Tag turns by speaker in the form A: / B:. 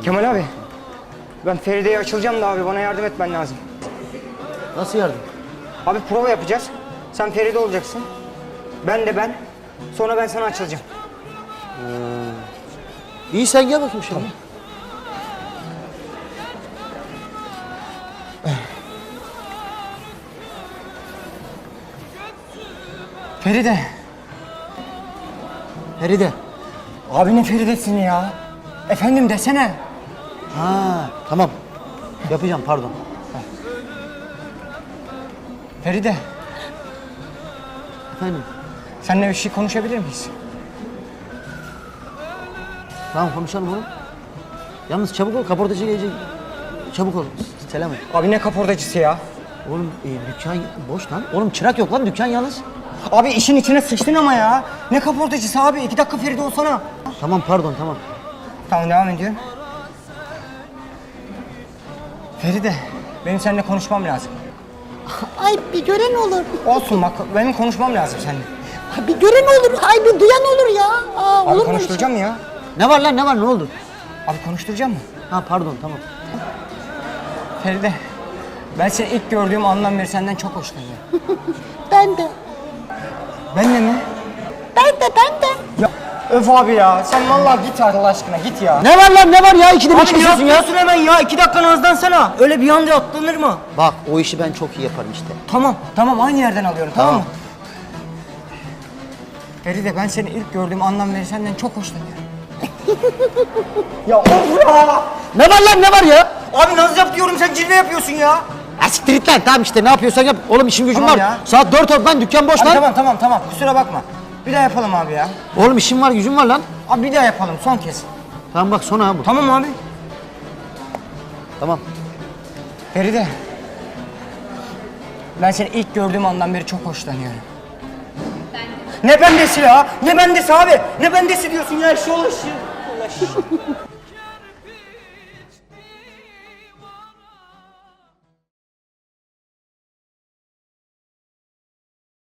A: Kemal abi, ben Feride'ye açılacağım da abi bana yardım etmen lazım.
B: Nasıl yardım?
A: Abi prova yapacağız. Sen Feride olacaksın. Ben de ben. Sonra ben sana açılacağım.
B: İyi sen gel bakayım şimdi.
A: Feride.
B: Feride.
A: Abi ne Feride'sin ya? Efendim desene.
B: Ha tamam. Yapacağım pardon.
A: Feride,
B: Efendim.
A: seninle bir şey konuşabilir miyiz?
B: Tamam konuşalım oğlum. Yalnız çabuk ol kaportacı gelecek. Çabuk ol. Selam et.
A: Abi ne kaportacısı ya?
B: Oğlum dükkan boş lan. Oğlum çırak yok lan dükkan yalnız.
A: Abi işin içine sıçtın ama ya. Ne kaportacısı abi? 2 dakika Feride olsana.
B: Tamam pardon tamam.
A: Tamam devam ediyorum. Feride, benim seninle konuşmam lazım.
C: Ay bir gören olur.
A: Olsun bak, benim konuşmam lazım seninle.
C: Ay, bir gören olur. Ay bir duyan olur ya. Aa,
A: Abi
C: olur mu?
A: konuşturacağım ya.
B: Ne var lan ne var ne oldu?
A: Abi konuşturacağım mı?
B: Ha pardon tamam.
A: Feride, ben seni ilk gördüğüm andan beri senden çok hoşlanıyorum.
C: Ben de.
A: Ben de mi?
C: Ben de.
A: Ya öf abi ya, sen vallahi git Allah aşkına git ya.
B: Ne var lan ne var ya ikide bir
A: Abi ne
B: çıkıyorsun ya.
A: yapıyorsun hemen ya? 2 dakika nazlansana. Öyle bir anda atlanır mı?
B: Bak o işi ben çok iyi yaparım işte.
A: Tamam aynı yerden alıyorum tamam mı?
B: Tamam.
A: Feride ben seni ilk gördüğüm andan beri senden çok hoşlanıyorum. Ya of ya!
B: Ne var lan ne var ya?
A: Abi naz yap diyorum sen cilve yapıyorsun ya.
B: Ha siktir git lan tamam işte ne yapıyorsan yap. Oğlum işim gücüm
A: Tamam
B: var.
A: ya.
B: Saat 4 oldu lan dükkan boş
A: Abi
B: lan.
A: tamam kusura bakma. Bir daha yapalım abi ya.
B: Oğlum işim var gücüm var lan.
A: Abi bir daha yapalım son kez.
B: Tamam bak son ha bu.
A: Tamam abi.
B: Tamam.
A: Feride. Ben seni ilk gördüğüm andan beri çok hoşlanıyorum. Ne bendesi ya? Ne bendesi abi? Ne bendesi diyorsun ya? Şu ulaşı.